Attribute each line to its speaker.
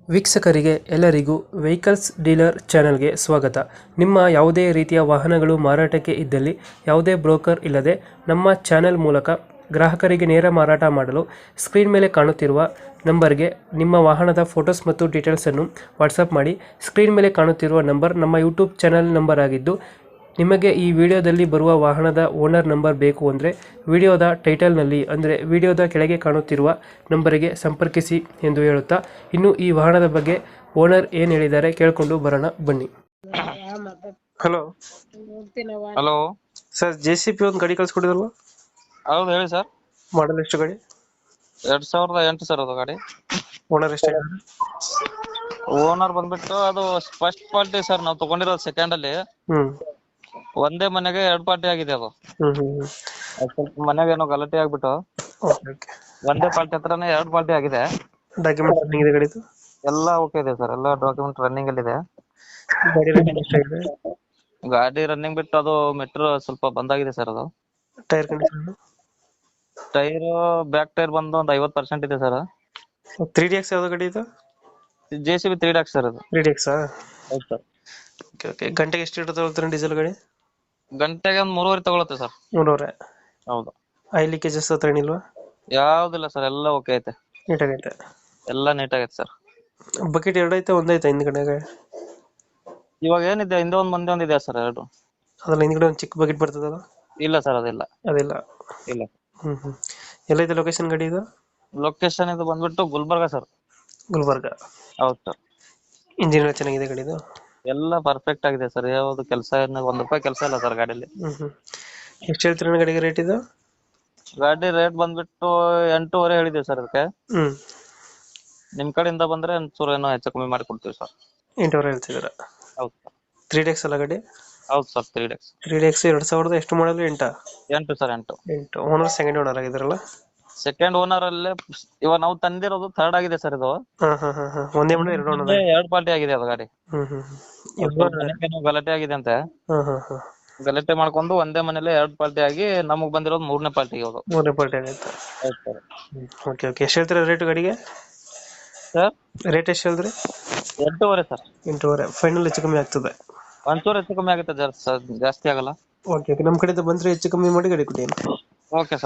Speaker 1: ವೀಕ್ಷಕರಿಗೆ ಎಲ್ಲರಿಗೂ vehicles dealer ಚಾನೆಲ್ಗೆ ಸ್ವಾಗತ. ನಿಮ್ಮ ಯಾವುದೇ ರೀತಿಯ ವಾಹನಗಳು ಮಾರಾಟಕ್ಕೆ ಇದ್ದಲ್ಲಿ ಯಾವುದೇ ಬ್ರೋಕರ್ ಇಲ್ಲದೆ ನಮ್ಮ ಚಾನೆಲ್ ಮೂಲಕ ಗ್ರಾಹಕರಿಗೆ ನೇರ ಮಾರಾಟ ಮಾಡಲು ಸ್ಕ್ರೀನ್ ಮೇಲೆ ಕಾಣುತ್ತಿರುವ ನಂಬರ್ಗೆ ನಿಮ್ಮ ವಾಹನದ ಫೋಟೋಸ್ ಮತ್ತು ಡೀಟೇಲ್ಸನ್ನು ವಾಟ್ಸಪ್ ಮಾಡಿ. ಸ್ಕ್ರೀನ್ ಮೇಲೆ ಕಾಣುತ್ತಿರುವ ನಂಬರ್ ನಮ್ಮ ಯೂಟ್ಯೂಬ್ ಚಾನೆಲ್ ನಂಬರ್ ಆಗಿದ್ದು, ನಿಮಗೆ ಈ ವಿಡಿಯೋದಲ್ಲಿ ಬರುವ ವಾಹನದ ಓನರ್ ನಂಬರ್ ಬೇಕು ಅಂದರೆ ವಿಡಿಯೋದ ಟೈಟಲ್ನಲ್ಲಿ ಅಂದರೆ ವಿಡಿಯೋದ ಕೆಳಗೆ ಕಾಣುತ್ತಿರುವ ನಂಬರಿಗೆ ಸಂಪರ್ಕಿಸಿ ಎಂದು ಹೇಳುತ್ತಾ, ಇನ್ನು ಈ ವಾಹನದ ಬಗ್ಗೆ ಓನರ್ ಏನು ಹೇಳಿದ್ದಾರೆ ಕೇಳಿಕೊಂಡು ಬರೋಣ ಬನ್ನಿ. ಹಲೋ
Speaker 2: ಹಲೋ
Speaker 1: ಸರ್, JCB ಒಂದು ಗಾಡಿ ಕಳ್ಸ್ಕೊಡಿದಲ್ವ?
Speaker 2: ಹೌದು ಹೇಳಿ ಸರ್.
Speaker 1: ಮಾಡಲ್ ಎಷ್ಟು ಗಾಡಿ?
Speaker 2: 2008 ಸರ್ ಅದು ಗಾಡಿ.
Speaker 1: ಓನರ್ ಎಷ್ಟು?
Speaker 2: ಓನರ್ ಬಂದ್ಬಿಟ್ಟು ಅದು ಫಸ್ಟ್ ಪಾರ್ಟಿ ಸರ್, ನಾವು ತಗೊಂಡಿರೋದು ಸೆಕೆಂಡ್ ಅಲ್ಲಿ.
Speaker 1: ಹ್ಮ್
Speaker 2: ಒಂದೇ ಮನೆಗೆ 2 ಪಾರ್ಟಿ ಆಗಿದೆ ಅದು.
Speaker 1: ಹ್ಮ್ ಹ್ಮ್
Speaker 2: ಅದ್ ಸ್ವಲ್ಪ ಮನೆಗೆ ಏನೋ ಗಲಾಟೆ ಆಗ್ಬಿಟ್ಟು
Speaker 1: ಓಕೆ ಓಕೆ.
Speaker 2: ಒಂದೇ ಪಾರ್ಟಿ ಹತ್ರನೇ 2 ಪಾರ್ಟಿ ಆಗಿದೆ.
Speaker 1: ಡಾಕ್ಯುಮೆಂಟ್ ರನ್ನಿಂಗ್ ಇದೆ ಗಾಡಿದು?
Speaker 2: ಎಲ್ಲ ಓಕೆ ಇದೆ ಸರ್, ಎಲ್ಲ ಡಾಕ್ಯುಮೆಂಟ್ ರನ್ನಿಂಗ್ ಅಲ್ಲಿ ಇದೆ.
Speaker 1: ಗಾಡಿ ರನ್ನಿಂಗ್ ಎಷ್ಟಾಗಿದೆ?
Speaker 2: ಗಾಡಿ ರನ್ನಿಂಗ್ ಬಿಟ್ಟು ಅದು ಮೆಟ್ರೋ ಸ್ವಲ್ಪ ಬಂದಾಗಿದೆ ಸರ್. ಅದು
Speaker 1: tyre condition?
Speaker 2: Tyre back tyre ಬಂದು ಒಂದು 50% ಇದೆ ಸರ್.
Speaker 1: 3DX ಯಾವ್ದು ಗಾಡಿ ಇದು?
Speaker 2: JCB 3 ಸರ್ ಅದು.
Speaker 1: 3DX?
Speaker 2: ಹೌದು ಸರ್.
Speaker 1: Okay okay. ಗಂಟೆಗೆ ಎಷ್ಟು ಲೀಟರ್ ತಗೊಳ್ತಾರೆ ಡೀಸೆಲ್ ಗಾಡಿ?
Speaker 2: ಗಂಟೆಗೆ ಒಂದು 3.5 ತಗೊಳುತ್ತೆ ಸರ್.
Speaker 1: 300?
Speaker 2: ಹೌದು.
Speaker 1: ಆಯಿಲ್ ಲೀಕೇಜಸ್ ಹತ್ರ ಏನಿಲ್ವಾ?
Speaker 2: ಯಾವ್ದಿಲ್ಲ ಸರ್, ಎಲ್ಲ ಓಕೆ ಐತೆ,
Speaker 1: ನೀಟಾಗೈತೆ?
Speaker 2: ಎಲ್ಲ ನೀಟಾಗೈತೆ ಸರ್.
Speaker 1: ಬಕೆಟ್ ಎರಡು ಐತೆ, ಒಂದೈತೆ ಹಿಂದ್ಗಡೆಗೆ?
Speaker 2: ಇವಾಗ ಏನಿದೆ, ಹಿಂದೆ ಒಂದ್ ಮುಂದೆ ಒಂದಿದೆ ಸರ್, ಎರಡು.
Speaker 1: ಅದ್ರಲ್ಲಿ ಹಿಂದ್ಗಡೆ ಒಂದು ಚಿಕ್ಕ ಬಕೆಟ್ ಬರ್ತದಲ್ಲ?
Speaker 2: ಇಲ್ಲ ಸರ್, ಅದಿಲ್ಲ.
Speaker 1: ಅದಿಲ್ಲ?
Speaker 2: ಇಲ್ಲ.
Speaker 1: ಹ್ಮ್. ಎಲ್ಲೈತೆ ಲೊಕೇಶನ್ ಗಾಡಿ ಇದು?
Speaker 2: ಲೊಕೇಶನ್ ಇದು ಬಂದ್ಬಿಟ್ಟು ಗುಲ್ಬರ್ಗ ಸರ್.
Speaker 1: ಗುಲ್ಬರ್ಗ?
Speaker 2: ಹೌದು ಸರ್.
Speaker 1: ಇಂಜಿನ್ ಎಲ್ಲ ಚೆನ್ನಾಗಿದೆ ಗಾಡಿದು?
Speaker 2: ಎಲ್ಲ ಪರ್ಫೆಕ್ಟ್ ಆಗಿದೆ ಸರ್, ಯಾವ್ದು ಕೆಲಸ ₹1 ಕೆಲಸ ಇಲ್ಲ ಸರ್ ಗಾಡಿಯಲ್ಲಿ.
Speaker 1: ಎಷ್ಟು ಹೇಳ್ತೀರ ಗಾಡಿಗೆ ರೇಟ್ ಇದು?
Speaker 2: ಗಾಡಿ ರೇಟ್ ಬಂದ್ಬಿಟ್ಟು 8.5 ಹೇಳಿದೀವಿ ಸರ್ ಅದಕ್ಕೆ.
Speaker 1: ಹ್ಮ್.
Speaker 2: ನಿಮ್ ಕಡೆಯಿಂದ ಬಂದ್ರೆ ಒಂಚೂರು ಏನೋ ಹೆಚ್ಚು ಕಮ್ಮಿ ಮಾಡಿ ಕೊಡ್ತೀವಿ ಸರ್.
Speaker 1: 8 ಹೇಳ್ತಿದ್ದೀರ?
Speaker 2: ಹೌದು ಸರ್.
Speaker 1: 3DX ಅಲ್ಲ ಗಾಡಿ?
Speaker 2: ಹೌದು ಸರ್, 3
Speaker 1: 3DX 2000 ಎಷ್ಟು ಮಾಡಲು?
Speaker 2: 8 ಸರ್, 8.
Speaker 1: ಓನರ್ ಸೆಕೆಂಡ್ ಓನರ್ ಆಗಿದಾರಲ್ಲ?
Speaker 2: ಸೆಕೆಂಡ್ ಓನರ್ ಅಲ್ಲೇ ಇವಾಗ ನಾವು ತಂದಿರೋದು ಥರ್ಡ್ ಆಗಿದೆ ಸರ್ ಇದು.
Speaker 1: ಒಂದೇ ಮನೆ ಎರಡು ಓನರ್?
Speaker 2: 2 ಪಾರ್ಟಿ ಆಗಿದೆ ಅದು ಗಾಡಿ. ಮನೆಗೇನೋ ಗಲಾಟೆ ಆಗಿದೆ ಅಂತೆ. ಗಲಾಟೆ ಮಾಡ್ಕೊಂಡು ಒಂದೇ ಮನೇಲಿ 2 ಪಾರ್ಟಿ ಆಗಿ ನಮಗ್ ಬಂದಿರೋದು 3ನೇ ಪಾರ್ಟಿ ಇವಾಗ.
Speaker 1: 3ನೇ ಪಾರ್ಟಿ ಆಗೈತೆ? Okay okay. ಎಷ್ಟು ಹೇಳ್ತೀರಾ ರೇಟ್ ಗಾಡಿಗೆ?
Speaker 2: ಸರ್
Speaker 1: ರೇಟ್ ಎಷ್ಟು ಹೇಳಿದ್ರಿ?
Speaker 2: 8.5 ಸರ್.
Speaker 1: 8.5 ಫೈನಲ್ ಹೆಚ್ಚು ಕಮ್ಮಿ ಆಗ್ತದೆ?
Speaker 2: ಒಂಚೂರು ಹೆಚ್ಚು ಕಮ್ಮಿ ಆಗುತ್ತೆ, ಜಾಸ್ತಿ ಆಗಲ್ಲ.
Speaker 1: Okay okay. ನಮ್ಮ ಕಡೆಯಿಂದ ಬಂದ್ರೆ ಹೆಚ್ಚು ಕಮ್ಮಿ ಮಾಡಿ ಗಾಡಿ ಕೊಡಿ.
Speaker 2: Okay sir.